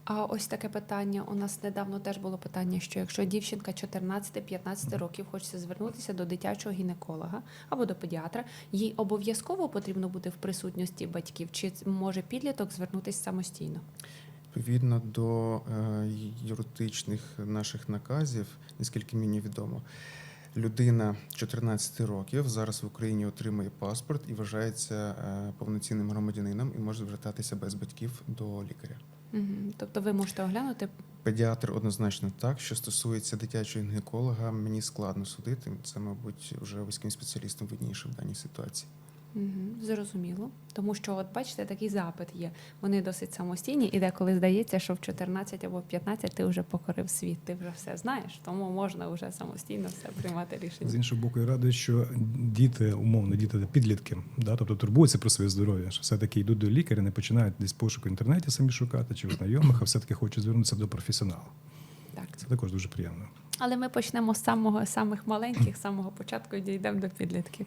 А ось таке питання. У нас недавно теж було питання, що якщо дівчинка 14-15 років хоче звернутися до дитячого гінеколога або до педіатра, їй обов'язково потрібно бути в присутності батьків, чи може підліток звернутися самостійно? Відповідно до юридичних наших наказів, наскільки мені відомо, людина 14 років зараз в Україні отримує паспорт і вважається повноцінним громадянином і може звертатися без батьків до лікаря. Тобто ви можете оглянути? Педіатр однозначно так. Що стосується дитячого гінеколога, мені складно судити. Це, мабуть, вже вузьким спеціалістам видніше в даній ситуації. Зрозуміло. Тому що, от бачите, такий запит є. Вони досить самостійні, і деколи здається, що в 14 або в 15 ти вже покорив світ, ти вже все знаєш, тому можна вже самостійно все приймати рішення. З іншого боку, я радий, що діти, умовно, діти підлітки, да, тобто турбуються про своє здоров'я, що все-таки йдуть до лікаря, не починають десь пошуку в інтернеті самі шукати чи в знайомих, а все-таки хочуть звернутися до професіонала. Так. Це також дуже приємно. Але ми почнемо з самих маленьких, з самого початку і дійдемо до підлітків.